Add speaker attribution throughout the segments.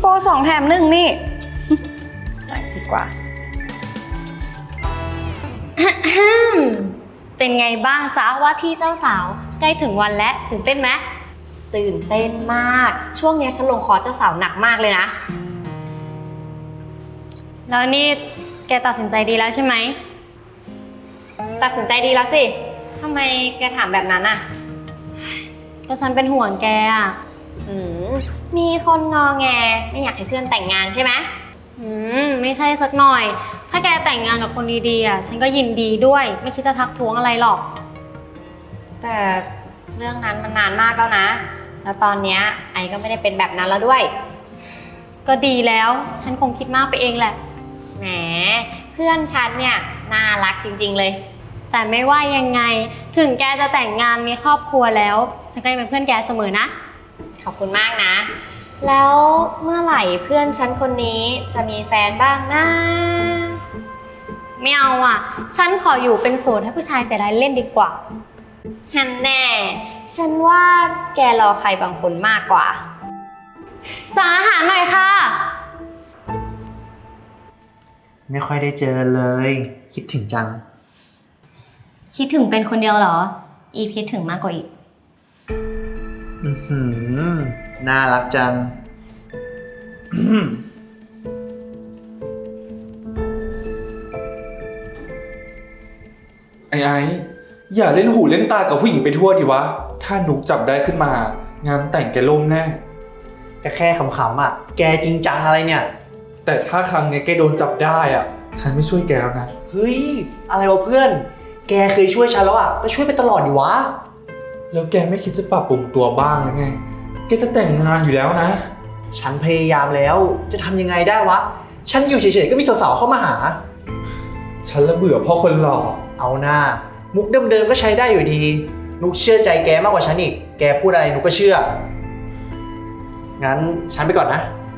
Speaker 1: โปร2 แถม 1นี่ ใส่ดีกว่า
Speaker 2: เป็นไงบ้างจ๊ะว่าที่เจ้าสาวใกล้ถึงวันแล้วตื่นเต้นไหมตื่นเต้นมากช่วงนี้ฉันลงคอร์สเจ้าสาวหนักมากเลยนะแล้วนี่แกตัดสินใจดีแล้วใช่ไหมตัดสินใจดีแล้วสิทำไมแกถามแบบนั้นอ่ะก็ฉันเป็นห่วงแกอ่ะมีคนงอแงไม่อยากให้เพื่อนแต่งงานใช่ไหมไม่ใช่สักหน่อยถ้าแกแต่งงานกับคนดีๆอ่ะฉันก็ยินดีด้วยไม่คิดจะทักท้วงอะไรหรอกแต่เรื่องนั้นมันนานมากแล้วนะแล้วตอนเนี้ยไอก็ไม่ได้เป็นแบบนั้นแล้วด้วยก็ดีแล้วฉันคงคิดมากไปเองแหละแหมเพื่อนฉันเนี่ยน่ารักจริงๆเลยแต่ไม่ว่ายังไงถึงแกจะแต่งงานมีครอบครัวแล้วฉันก็ยังเป็นเพื่อนแกเสมอนะขอบคุณมากนะแล้วเมื่อไหร่เพื่อนฉันคนนี้จะมีแฟนบ้างนะไม่เอาอ่ะฉันขออยู่เป็นโสดให้ผู้ชายเสียดายเล่นดีกว่าฮันแน่ฉันว่าแกรอใครบางคนมากกว่าสั่งอาหารหน่อยค่ะ
Speaker 3: ไม่ค่อยได้เจอเลยคิดถึงจัง
Speaker 2: คิดถึงเป็นคนเดียวเหรออีคิดถึงมากกว่าอีก
Speaker 3: น่ารักจัง
Speaker 4: ไอ้อย่าเล่นหูเล่นตากับผู้หญิงไปทั่วดิวะถ้านุกจับได้ขึ้นมางานแต่งแกล่มแน่
Speaker 3: ก็แค่ขำๆอ่ะแกจริงจังอะไรเนี่ย
Speaker 4: แต่ถ้าครั้งนี้แกโดนจับได้อ่ะฉันไม่ช่วยแกแล้วนะ
Speaker 3: เฮ้ยอะไรวะเพื่อนแกเคยช่วยฉันแล้วอ่ะก็ช่วยไปตลอดดิวะ
Speaker 4: แล้วแกไม่คิดจะปรับปรุงตัวบ้างหรือไงแกจะแต่งงานอยู่แล้วนะ
Speaker 3: ฉันพยายามแล้วจะทำยังไงได้วะฉันอยู่เฉยๆก็มีสาวๆเข้ามาหา
Speaker 4: ฉันละเบื่อพ่อคนหล่อ
Speaker 3: เอาหน้ามุกเดิมๆก็ใช้ได้อยู่ดีนุกเชื่อใจแกมากกว่าฉันอีกแกพูดอะไรนุกก็เชื่องั้นฉันไปก่อนนะ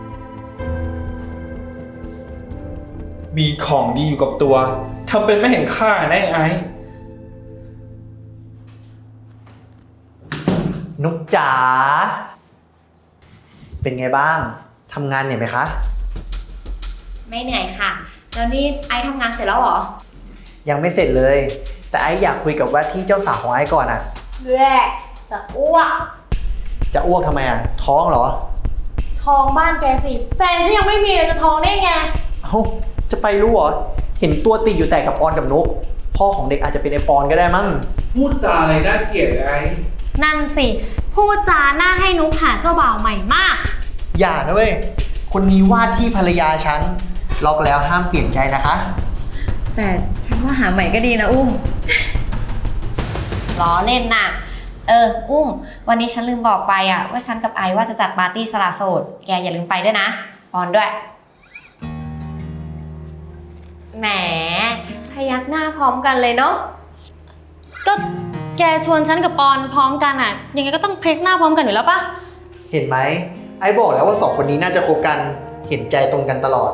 Speaker 4: มีของดีอยู่กับตัวทำเป็นไม่เห็นค่าแน่ไอ้
Speaker 3: นุกจ๋าเป็นไงบ้างทำงานเหนื่อยไหมคะ
Speaker 2: ไม่เหนื่อยค่ะแล้วนี่ไอทำงานเสร็จแล้วเหรอ
Speaker 3: ยังไม่เสร็จเลยแต่ไออยากคุยกับว่าที่เจ้าสาวของไอก่อนอ่ะ
Speaker 2: แรกจะอ้วก
Speaker 3: จะอ้วกทำไมอ่ะท้องเหรอ
Speaker 2: ท้องบ้านแกสิแฟนฉันยังไม่มีเลยจะท้องได้ไง
Speaker 3: เอ้าจะไปรู้เหรอเห็นตัวติดอยู่แต่กับปอนกับนุกพ่อของเด็กอาจจะเป็นไอปอนก็ได้มั้ง
Speaker 4: พูดจาอะไรน่าเกลียดไอ้
Speaker 2: นั่นสิพูดจาหน้าให้นุกหาเจ้าบ่าวใหม่มาก
Speaker 3: อย่านะเว้ยคนนี้ว่าที่ภรรยาฉันล็อกแล้วห้ามเปลี่ยนใจนะคะ
Speaker 1: แต่ฉันว่าหาใหม่ก็ดีนะอุ้ม
Speaker 2: ล้อเล่นน่ะอุ้มวันนี้ฉันลืมบอกไปอ่ะว่าฉันกับไอว่าจะจัดปาร์ตี้สละโสดแกอย่าลืมไปด้วยนะปอนด้วยแหมพยักหน้าพร้อมกันเลยเนาะก็แกชวนฉันกับปอนพร้อมกันอ่ะยังไงก็ต้องพยักหน้าพร้อมกันอยู่แล้วปะ
Speaker 3: เห็นไหมไอบอกแล้วว่า2 คนนี้น่าจะคบกันเห็นใจตรงกันตลอด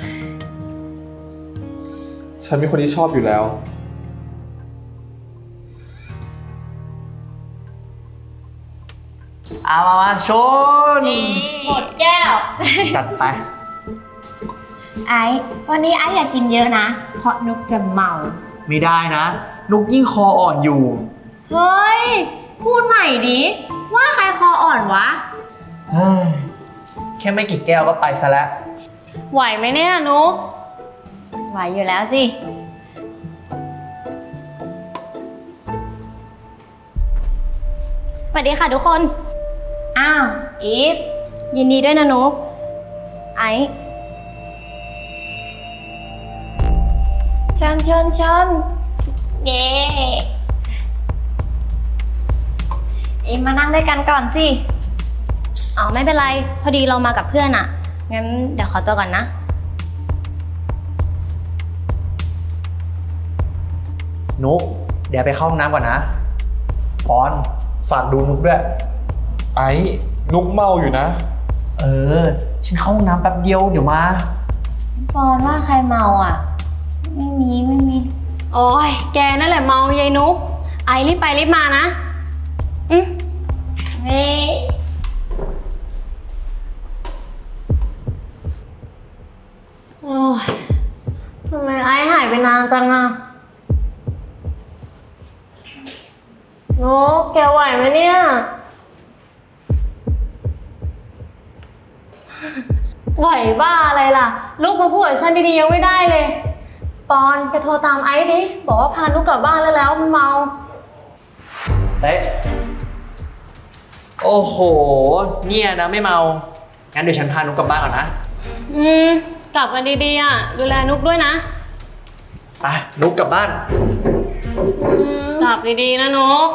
Speaker 4: ฉันมีคนที่ชอบอยู่แล้ว
Speaker 3: มาชน
Speaker 2: หมดแก้ว
Speaker 3: จัดไป
Speaker 2: ไอวันนี้ไออยากกินเยอะนะเพราะนุกจะเมา
Speaker 3: ไม่ได้นะนุกยิ่งคออ่อนอยู่
Speaker 2: เฮ้ยพูดใหม่ดิว่าใครคออ่อนวะ
Speaker 3: แค่ไม่กี่แก้วก็ไปซะแล้ว
Speaker 2: ไหวไหมเนี่ยนุกไหวอยู่แล้วสิสวัสดีค่ะทุกคนอ้าวอีฟยินดีด้วยนะนุกไอชนเย้อีฟมานั่งด้วยกันก่อนสิอ๋อไม่เป็นไรพอดีเรามากับเพื่อนอ่ะงั้นเดี๋ยวขอตัวก่อนนะ
Speaker 3: นุกเดี๋ยวไปเข้าห้องน้ำก่อนนะปอนฝากดูนุกด้วย
Speaker 4: ไอ้นุกเมาอยู่นะ
Speaker 3: ฉันเข้าห้องน้ำแป๊บเดียวเดี๋ยวมา
Speaker 2: ปอนว่าใครเมาอ่ะไม่มีโอ้ยแกนั่นแหละเมายายนุกไอรีบไปรีบมานะเฮ้ทำไมไอ้หายไปนานจังอะนกแกไหวไหมเนี่ย ไหวบ้าอะไรล่ะ ลูกมาพูดกับฉันดีๆยังไม่ได้เลย ปอนแกโทรตามไอ้ดิ บอกว่าพานุกกลับบ้านแล้วมันเมา
Speaker 3: เต๊ะโอ้โห เนี่ยนะไม่เมา งั้นเดี๋ยวฉันพานุกกลับบ้านก่อนนะ
Speaker 2: กลับกันดีๆอ่ะ ดูแลนุกด้วยนะ
Speaker 3: ไป นุกกลับบ้าน
Speaker 2: กลับดีๆนะนุก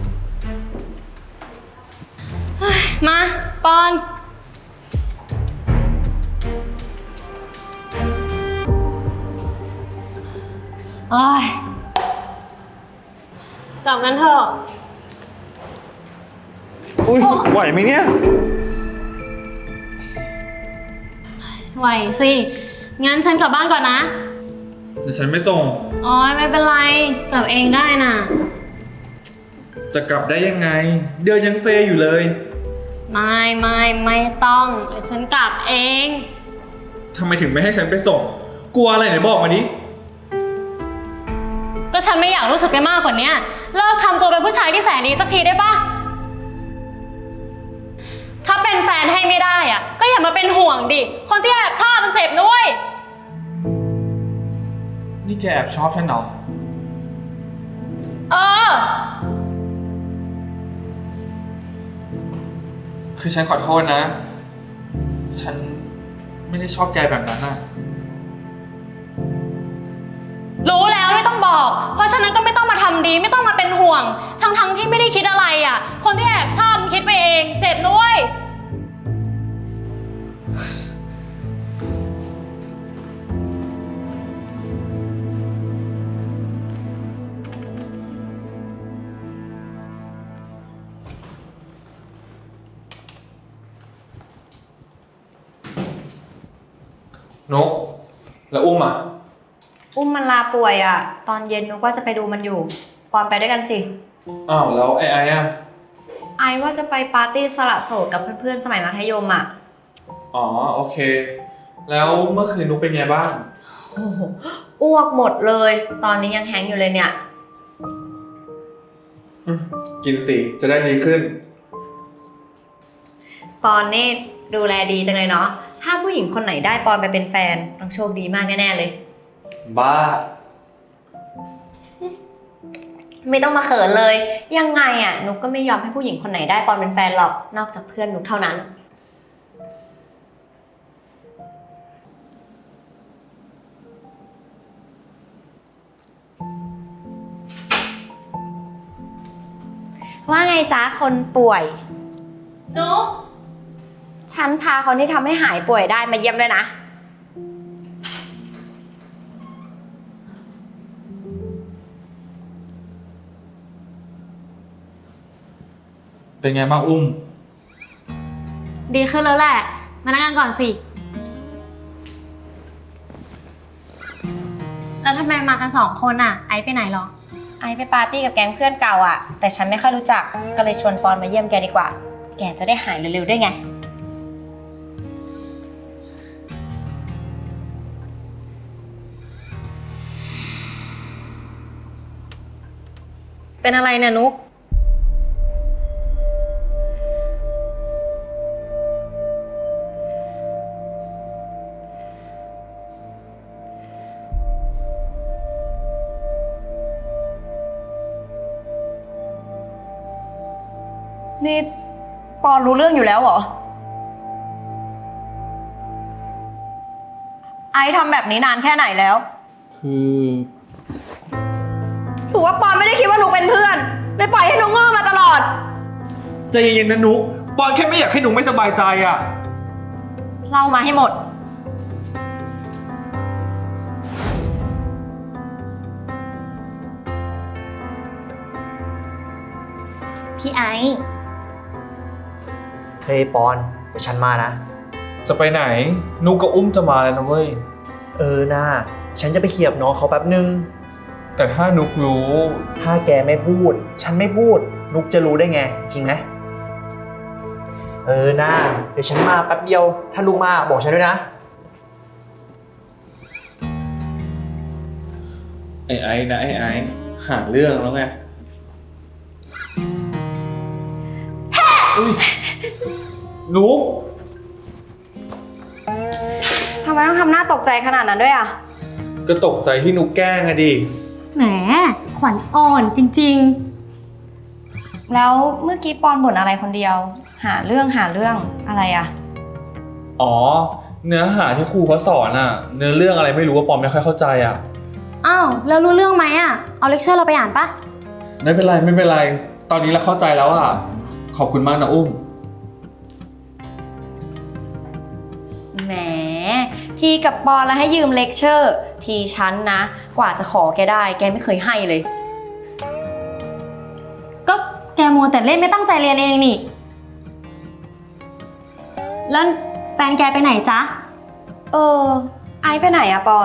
Speaker 2: เฮ้ยมาปอน โอ้ยกลับกันเถอะ
Speaker 4: อุ้ยไหวไหมเนี่ย
Speaker 2: ไหวสิ งั้นฉันกลับบ้านก่อนนะ
Speaker 4: เดี๋ยวฉันไม่ส่ง
Speaker 2: อ๋อไม่เป็นไร กลับเองได้น่ะ
Speaker 4: จะกลับได้ยังไง เดินยังเซอยู่เลย
Speaker 2: ไม่ต้องเดี๋ยวฉันกลับเอง
Speaker 4: ทำไมถึงไม่ให้ฉันไปส่ง กลัวอะไรไหนบอกมาดิ
Speaker 2: ก็ฉันไม่อยากรู้สึกไปมากกว่านี้เลิกทำตัวเป็นผู้ชายที่แสนดีสักทีได้ปะถ้าเป็นแฟนให้ไม่ได้อ่ะ ก็อย่ามาเป็นห่วงดิ คนที่แอบชอบมันเจ็บด้วย
Speaker 4: นี่แกแอบชอบฉันเหรอ
Speaker 2: เออ
Speaker 4: คือฉันขอโทษนะ ฉันไม่ได้ชอบแกแบบนั้นน่ะ
Speaker 2: รู้แล้วไม่ต้องบอก เพราะฉะนั้นก็ไม่ต้องมาทำดีไม่ต้องมาเป็นห่วง ทั้งที่ไม่ได้คิดอะไรอ่ะ คนที่แอบชอบมันคิดไปเอง เจ็บด้วย
Speaker 4: นก แล้วอุ้มอ่ะ
Speaker 1: อุ้มมันลาป่วยอ่ะ ตอนเย็นนุกว่าจะไปดูมันอยู่ ปอนไปด้วยกันสิ
Speaker 4: อ้าวแล้วไอ้อ่ะ
Speaker 1: ไอว่าจะไปปาร์ตี้สละโสดกับเพื่อนๆสมัยมัธยมอ่ะ
Speaker 4: อ๋อโอเค แล้วเมื่อคืนนุกเป็นไงบ้าง
Speaker 1: โอ้โหอ้วกหมดเลย ตอนนี้ยังแฮงก์อยู่เลยเนี่ย
Speaker 4: กินสิจะได้ดีขึ้น
Speaker 1: ปอนนี่ดูแลดีจังเลยเนาะ ถ้าผู้หญิงคนไหนได้ปอนไปเป็นแฟนต้องโชคดีมากแน่ๆเลย
Speaker 4: บ้า
Speaker 1: ไม่ต้องมาเขินเลย ยังไงอ่ะนุกก็ไม่ยอมให้ผู้หญิงคนไหนได้ปอนเป็นแฟนหรอก นอกจากเพื่อนนุกเท่านั้น ว่าไงจ๊ะคนป่วย
Speaker 2: นุก
Speaker 1: ฉันพาคนที่ทำให้หายป่วยได้มาเยี่ยมด้วยนะ
Speaker 4: เป็นไงบ้างอุ้ม
Speaker 2: ดีขึ้นแล้วแหละ มานั่งกันก่อนสิ แล้วทำไมมากัน2 คนอ่ะ ไอซ์ไปไหนหรอ
Speaker 1: ไอไปปาร์ตี้กับแก๊งเพื่อนเก่าอ่ะ แต่ฉันไม่ค่อยรู้จัก ก็เลยชวนปอนมาเยี่ยมแกดีกว่า แกจะได้หายเร็วๆด้วยไง
Speaker 2: เป็นอะไรเนี่ยนุก
Speaker 1: นี่ปอนรู้เรื่องอยู่แล้วเหรอ ไอทำแบบนี้นานแค่ไหนแล้ว
Speaker 4: คือ
Speaker 1: ถือว่าปอนไม่ได้คิดว่าหนูเป็นเพื่อนเลยปล่อยให้หนูโง่มาตลอด
Speaker 4: ใจเย็นๆนะนุกบอลแค่ไม่อยากให้หนูไม่สบายใจอ่ะ
Speaker 1: เล่ามาให้หมด
Speaker 2: พี่ไอซ์
Speaker 3: เฮ้ยปอน เดี๋ยวฉันมานะ
Speaker 4: จะไปไหน นุกกับอุ้มจะมาแล้วนะเว้ย
Speaker 3: น่าฉันจะไปเคลียร์กับน้องเขาแป๊บนึง
Speaker 4: แต่ถ้านุกรู้
Speaker 3: ถ้าแกไม่พูด ฉันไม่พูด นุกจะรู้ได้ไง จริงไหมน่าเดี๋ยวฉันมาแป๊บเดียว ถ้านุกมาบอกฉันด้วยนะ
Speaker 4: ไอ้นะไอ้หาเรื่องแล้วไงอุ๊ยนุก
Speaker 1: ทำไมต้องทำหน้าตกใจขนาดนั้นด้วยอ่ะ
Speaker 4: ก็ตกใจที่นุกแกล้งอะดิ
Speaker 2: แหม ขวัญอ่อนจริง
Speaker 1: แล้วเมื่อกี้ปอนบ่นอะไรคนเดียว หาเรื่องอะไรอ่ะ
Speaker 4: อ๋อ เนื้อหาที่ครูเขาสอนอะเนื้อเรื่องอะไรไม่รู้ว่าปอมไม่ค่อยเข้าใจอะ
Speaker 2: ๆ อ้าว แล้วรู้เรื่องไหมอ่ะ เอาเลคเชอร์เราไปอ่านปะ
Speaker 4: ไม่เป็นไรไม่เป็นไร ตอนนี้เราเข้าใจแล้วอะขอบคุณมากนะอุ้ม
Speaker 1: แหม ทีกับปอนแล้วให้ยืมเลคเชอร์ ทีฉันนะ กว่าจะขอแกได้ แกไม่เคยให้เลย
Speaker 2: ก็แกมัวแต่เล่นไม่ตั้งใจเรียนเองนี่ แล้วแฟนแกไปไหนจ๊ะ
Speaker 1: ไอซ์ไปไหนอะปอน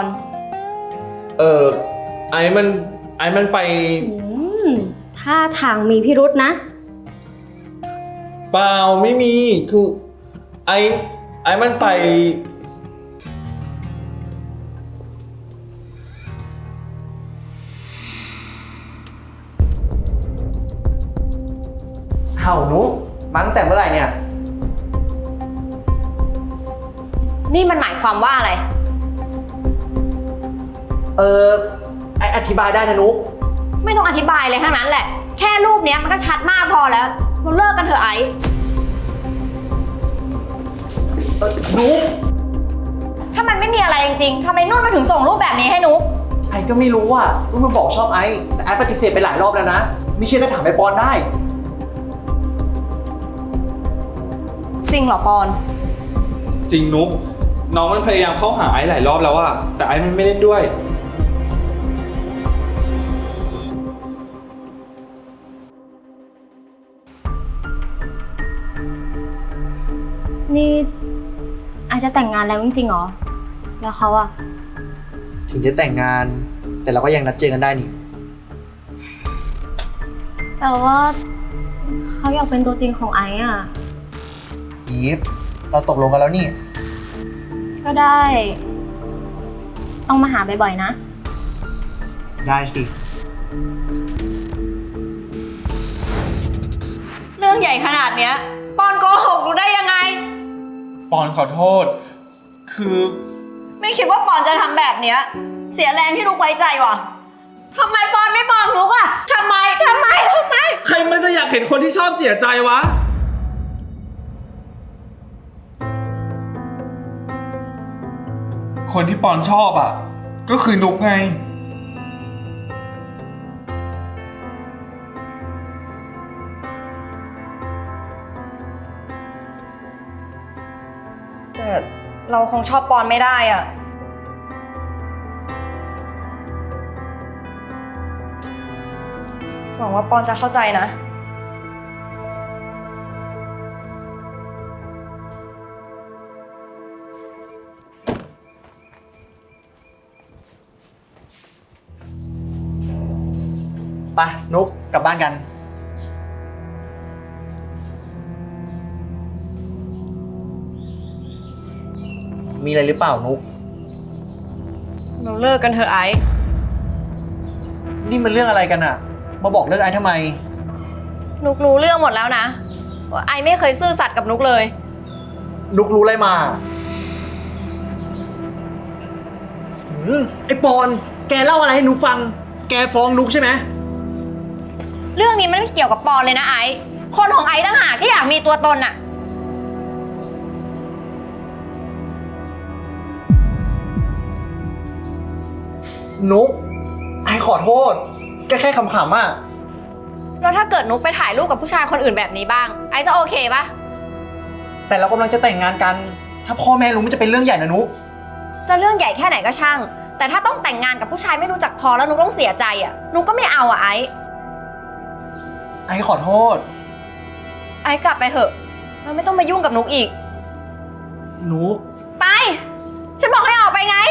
Speaker 4: ไอ้มันไป
Speaker 2: ท่าทางมีพิรุษนะ
Speaker 4: เปล่าไม่มี คือไอ้มันไป
Speaker 3: เห่านุกมาตั้งแต่เมื่อไหร่เนี่ย
Speaker 1: นี่มันหมายความว่าอะไร
Speaker 3: ไออธิบายได้นะนุก
Speaker 1: ไม่ต้องอธิบายเลยทั้งนั้นแหละ แค่รูปเนี้ยมันก็ชัดมากพอแล้ว เราเลิกกันเถอะไอซ์
Speaker 3: นุก
Speaker 1: ถ้ามันไม่มีอะไรจริงๆทำไมนุ่นมาถึงส่งรูปแบบนี้ให้นุ๊ก
Speaker 3: ไอก็ไม่รู้อ่ะนุกมันบอกชอบไอแต่ไอปฏิเสธไปหลายรอบแล้วนะ ไม่เชื่อก็ถามไอปอนได้
Speaker 1: จริงเหรอปอน
Speaker 4: จริงนุกน้องมันพยายามเข้าหาไอ้หลายรอบแล้วอะแต่ไอ้มันไม่เล่นด้วย
Speaker 2: นี่อาจจะแต่งงานแล้วจริงๆเหรอ แล้วเขาอะ
Speaker 3: ถึงจะแต่งงาน แต่เราก็ยังนัดเจอกันได้นี่
Speaker 2: แต่ว่าเขาอยากเป็นตัวจริงของไอ้อะ
Speaker 3: อีฟ เราตกลงกันแล้วนี่
Speaker 2: ก็ได้ ต้องมาหาบ่อยๆนะ
Speaker 3: ได้สิ
Speaker 1: เรื่องใหญ่ขนาดเนี้ย ปอนโกหกรู้ได้ยังไง
Speaker 4: ปอนขอโทษ คือ
Speaker 1: ไม่คิดว่าปอนจะทำแบบเนี้ย เสียแรงที่นุ๊กไว้ใจว่ะทำไมปอนไม่บอกนุ๊กอะทำไม
Speaker 4: ใครมันจะอยากเห็นคนที่ชอบเสียใจวะ คนที่ปอนชอบอ่ะ ก็คือนุกไง
Speaker 1: แต่เราคงชอบปอนไม่ได้อะหวังว่าปอนจะเข้าใจนะ
Speaker 3: ไปนุกกลับบ้านกัน มีอะไรหรือเปล่านุก
Speaker 1: เราเลิกกันเถอะไอซ์
Speaker 3: นี่มันเรื่องอะไรกันอะมาบอกเลิกไอ้ทำไม
Speaker 1: นุกรู้เรื่องหมดแล้วนะว่าไอซ์ไม่เคยซื่อสัตย์กับนุกเลย
Speaker 3: นุกรู้อะไรมาไอ้ปอน แกเล่าอะไรให้นุกฟัง แกฟ้องนุกใช่ไหม
Speaker 1: เรื่องนี้มันไม่เกี่ยวกับปอนเลยนะไอซ์คนของไอซ์ต่างหากที่อยากมีตัวตนอะ
Speaker 3: นุก ไอ้ขอโทษ แกแค่ขำๆอ่ะ
Speaker 1: แล้วถ้าเกิดนุกไปถ่ายรูปกับผู้ชายคนอื่นแบบนี้บ้าง ไอซ์จะโอเคปะ
Speaker 3: แต่เรากำลังจะแต่งงานกัน ถ้าพ่อแม่รู้มันจะเป็นเรื่องใหญ่นะนุก
Speaker 1: จะเรื่องใหญ่แค่ไหนก็ช่าง แต่ถ้าต้องแต่งงานกับผู้ชายไม่รู้จักพอแล้วนุกต้องเสียใจอะนุกก็ไม่เอาอะไอซ์
Speaker 3: ไอ้ขอโทษ
Speaker 1: ไอซ์กลับไปเถอะเราไม่ต้องมายุ่งกับนุกอีก
Speaker 3: นุก
Speaker 1: ไป ฉันบอกให้ออกไปไง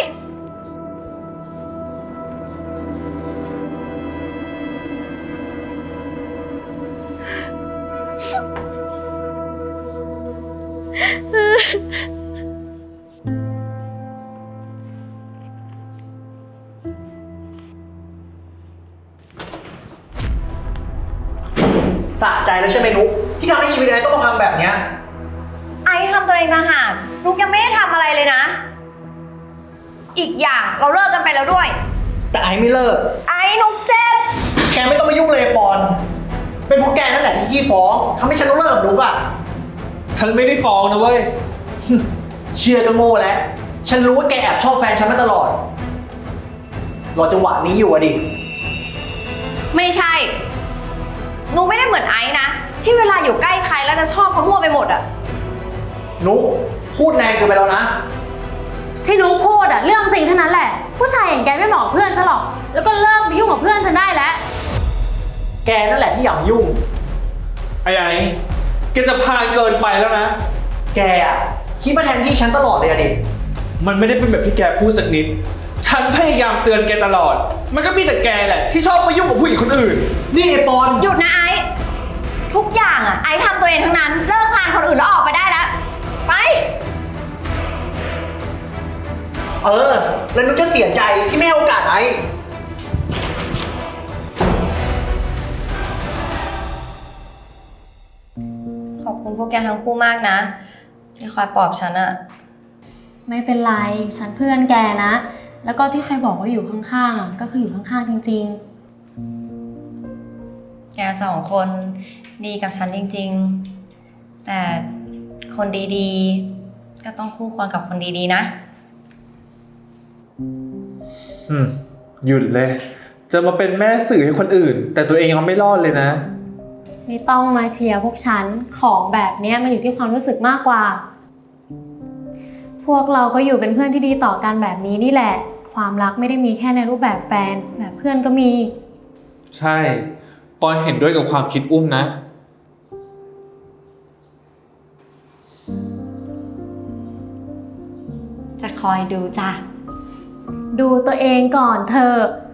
Speaker 3: ใจแล้วใช่ไหมนุ๊กที่ทำให้ชีวิตไอ้ต้องมาพังแบบเนี้ย
Speaker 1: ไอ้ทำตัวเองต่างหากนุกยังไม่ได้ทำอะไรเลยนะ อีกอย่างเราเลิกกันไปแล้วด้วย
Speaker 3: แต่ไอ้ไม่เลิก
Speaker 1: ไอ้นุกเจ็บ
Speaker 3: แกไม่ต้องมายุ่งเลยปอน เป็นเพราะแกนั่นแหละที่ขี้ฟ้องทำให้ฉันต้องเลิกกับนุ๊กอ่ะ
Speaker 4: ฉันไม่ได้ฟ้องนะเว้ย
Speaker 3: เชื่อก็โง่แล้ว ฉันรู้ว่าแกแอบชอบแฟนฉันมาตลอด รอจังหวะนี้อยู่อะดิ
Speaker 1: ไม่ใช่นุกไม่ได้เหมือนไอ้นะที่เวลาอยู่ใกล้ใครแล้วจะชอบเขามั่วไปหมดอะ
Speaker 3: นุ๊กพูดแรงเกินไปแล้วนะ
Speaker 2: ที่นุ๊กพูดอะเรื่องจริงเท่านั้นแหละ ผู้ชายอย่างแกไม่เหมาะเพื่อนฉันหรอก แล้วก็เลิกไปยุ่งกับเพื่อนฉันได้แล้ว
Speaker 3: แกนั่นแหละที่อยากยุ่ง
Speaker 4: ไอ้แกจะพาเกินไปแล้วนะ
Speaker 3: แกอะคิดมาแทนที่ฉันตลอดเลยอะดิ
Speaker 4: มันไม่ได้เป็นแบบที่แกพูดสักนิด ฉันพยายามเตือนแกตลอด มันก็มีแต่แกแหละที่ชอบไปยุ่งกับผู้หญิงคนอื่น
Speaker 3: นี่ไอ้ปอน
Speaker 1: หยุดนะไอ้ทุกอย่างอะไอ้ทำตัวเองทั้งนั้นเลิกพานคนอื่นแล้วออกไปได้แล้วไป
Speaker 3: แล้วนุ๊กจะเสียใจที่ไม่ให้โอกาสไอ้
Speaker 1: ขอบคุณพวกแกทั้งคู่มากนะ ที่คอยปลอบฉันอะ
Speaker 2: ไม่เป็นไร ฉันเพื่อนแกนะ แล้วก็ที่ใครบอกว่าอยู่ข้างๆอะก็คืออยู่ข้างๆจริงๆ
Speaker 1: แกสองคนดีกับฉันจริงๆ แต่คนดีๆ ก็ต้องคู่ควรกับคนดีๆนะ
Speaker 4: หยุดเลย จะมาเป็นแม่สื่อให้คนอื่น แต่ตัวเองยังไม่รอดเลยนะ
Speaker 2: ไม่ต้องมาเชียร์พวกฉัน ของแบบเนี้ยมันอยู่ที่ความรู้สึกมากกว่า พวกเราก็อยู่เป็นเพื่อนที่ดีต่อกันแบบนี้นี่แหละ ความรักไม่ได้มีแค่ในรูปแบบแฟน แบบเพื่อนก็มี
Speaker 4: ใช่ ปอนเห็นด้วยกับความคิดอุ้มนะ
Speaker 1: จะคอยดูจ้ะ
Speaker 2: ดูตัวเองก่อนเธอะ